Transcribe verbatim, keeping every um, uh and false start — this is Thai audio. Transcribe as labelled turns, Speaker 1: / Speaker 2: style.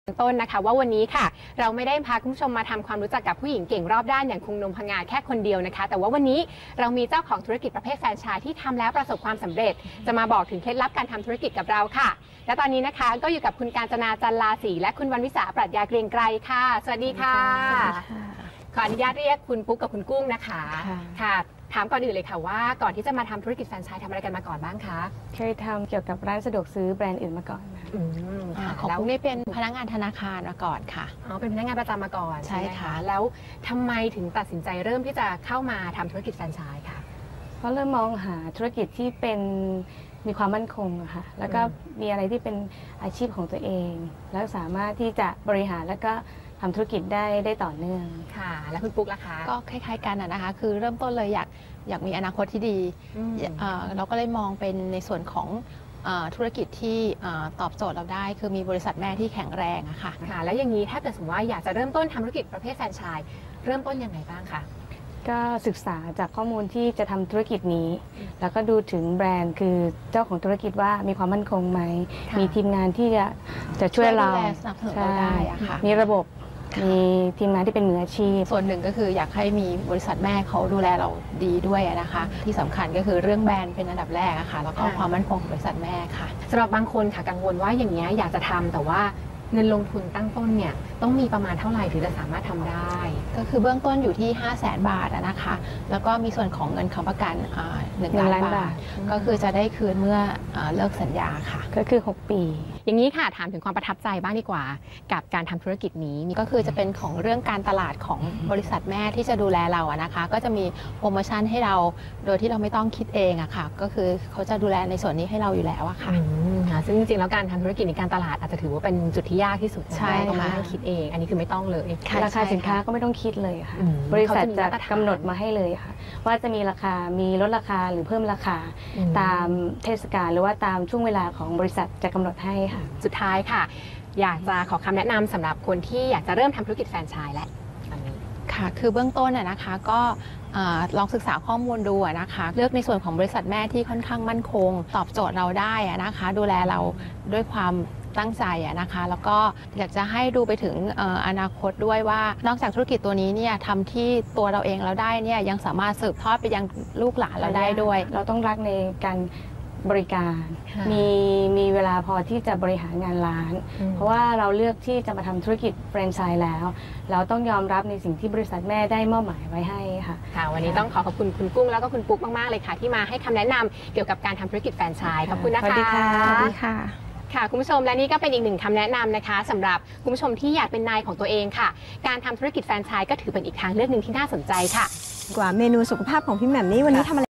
Speaker 1: ต้นนะคะว่าวันนี้ค่ะเราไม่ได้พาคุณผู้ชมมาทำความรู้จักกับผู้หญิงเก่งรอบด้านอย่างคุณนมพงาแค่คนเดียวนะคะแต่ว่าวันนี้เรามีเจ้าของธุรกิจประเภทแฟรนไชส์ที่ทำแล้วประสบความสำเร็จจะมาบอกถึงเคล็ดลับการทำธุรกิจกับเราค่ะและตอนนี้นะคะก็อยู่กับคุณกาญจนาจันลาศรีและคุณวรรณวิสาปรัชญาเกรียงไกรค่ะสวัสดีค่ะขออนุญาตเรียกคุณปุ๊กกับคุณกุ้งนะคะค่ะถามก่อนอื่นเลยค่ะว่าก่อนที่จะมาทำธุรกิจแฟรนไชส์ทำอะไรกันมาก่อนบ้างคะ
Speaker 2: เคยทำเกี่ยวกับร้านสะดวกซื้อแบรนด์อื่นมาก่อน
Speaker 3: ค่ะของปุ๊กนี่เป็นพนักงานธนาคารมาก่อนค่ะ
Speaker 1: อ๋อเป็นพนักงานประจำมาก่อน
Speaker 3: ใช่ค่ะ
Speaker 1: แล้วทำไมถึงตัดสินใจเริ่มที่จะเข้ามาทำธุรกิจแฟรนไชส์ค่ะ
Speaker 2: เพราะเริ่มมองหาธุรกิจที่เป็นมีความมั่นคงอะค่ะแล้วก็มีอะไรที่เป็นอาชีพของตัวเองแล้วสามารถที่จะบริหารแล้วก็ทำธุรกิจได้ได้ต่อเนื่อง
Speaker 1: ค่ะแล้วคุณปุ๊กล่ะคะ
Speaker 3: ก็คล้ายๆกันนะคะคือเริ่มต้นเลยอยากอยากมีอนาคตที่ดีเราก็เลยมองเป็นในส่วนของธุรกิจที่ตอบโจทย์เราได้คือมีบริษัทแม่ที่แข็งแรงอะค่ะ
Speaker 1: ค่ะแล้วอย่างนี้ถ้าเกิดสมมติว่าอยากจะเริ่มต้นทำธุรกิจประเภทแฟรนไชส์เริ่มต้นยังไงบ้างคะ
Speaker 2: ก็ศึกษาจากข้อมูลที่จะทำธุรกิจนี้แล้วก็ดูถึงแบรนด์คือเจ้าของธุรกิจว่ามีความมั่นคงไหมมีทีมงานที่จะจะช่วยเรา
Speaker 3: สนับสนุนเราได้ค่ะ
Speaker 2: มีระบบมีทีมงานที่เป็นมืออาชีพ
Speaker 3: ส่วนหนึ่งก็คืออยากให้มีบริษัทแม่เขาดูแลเราดีด้วยนะคะที่สำคัญก็คือเรื่องแบรนด์เป็นอันดับแรกอะค่ะแล้วก็ความมั่นคงของบริษัทแม่ค่ะ
Speaker 1: สำหรับบางคนค่ะกังวลว่าอย่างนี้อยากจะทำแต่ว่าเงินลงทุนตั้งต้นเนี่ยต้องมีประมาณเท่าไหร่ถึงจะสามารถทำได้
Speaker 3: ก็คือเบื้องต้นอยู่ที่ ห้าแสน บาทนะคะแล้วก็มีส่วนของเงินค้ำประกันหนึ่งล้านบาทก็คือจะได้คืนเมื่อเลิกสัญญาค่ะ
Speaker 2: ก็คือหกปี
Speaker 1: อย่างนี้ค่ะถามถึงความประทับใจบ้างดีกว่ากับการทำธุรกิจนี้
Speaker 3: ก็คือจะเป็นของเรื่องการตลาดของบริษัทแม่ที่จะดูแลเราอะนะคะก็จะมีโปรโมชั่นให้เราโดยที่เราไม่ต้องคิดเองอะค่ะก็คือเขาจะดูแลในส่วนนี้ให้เราอยู่แล้วอะค่ะ
Speaker 1: ซึ่งจริงๆแล้วการทำธุรกิจในการตลาดอาจจะถือว่าเป็นจุดที่ยากที่สุด
Speaker 3: ใช่
Speaker 1: ต้องมาคิดเองอันนี้คือไม่ต้องเลย
Speaker 2: ราคาสินค้าก็ไม่ต้องคิดเลยค่ะบริษัทจะกำหนดมาให้เลยค่ะว่าจะมีราคามีลดราคาหรือเพิ่มราคาตามเทศกาลหรือว่าตามช่วงเวลาของบริษัทจะกำหนดให้ค่ะ
Speaker 1: สุดท้ายค่ะอยากจะขอคำแนะนำสำหรับคนที่อยากจะเริ่มทำธุรกิจแฟรนไชส์และ
Speaker 3: ค่ะคือเบื้องต้นนะคะก็ลองศึกษาข้อมูลดูนะคะเลือกในส่วนของบริษัทแม่ที่ค่อนข้างมั่นคงตอบโจทย์เราได้นะคะดูแลเราด้วยความตั้งใจนะคะแล้วก็อยากจะให้ดูไปถึงอนาคตด้วยว่านอกจากธุรกิจตัวนี้เนี่ยทำที่ตัวเราเองเราได้เนี่ยยังสามารถสืบทอดไปยังลูกหลานเราได้ด้วย
Speaker 2: เราต้องรักในการบริการมีมีเวลาพอที่จะบริหารงานร้านเพราะว่าเราเลือกที่จะมาทำธุรกิจแฟรนไชส์แล้วเราต้องยอมรับในสิ่งที่บริษัทแม่ได้มอบหมายไว้ให้ค่ะ
Speaker 1: ค่ะวันนี้ต้องขอขอบคุณคุณกุ้งแล้วก็คุณปุ๊กมากๆเลยค่ะที่มาให้คำแนะนำเกี่ยวกับการทำธุรกิจแฟรนไชส์ขอบคุณนะคะ
Speaker 2: สวัสดีค่ะ
Speaker 3: สวัสดีค่ะ
Speaker 1: ค่ะคุณผู้ชมและนี่ก็เป็นอีกหนึ่งคำแนะนำนะคะสำหรับคุณผู้ชมที่อยากเป็นนายของตัวเองค่ะการทำธุรกิจแฟรนไชส์ก็ถือเป็นอีกทางเลือกหนึ่งที่น่าสนใจค่ะ
Speaker 4: กว่าเมนูสุขภาพของพี่แหม่มนี่วันนี้ทำอะไร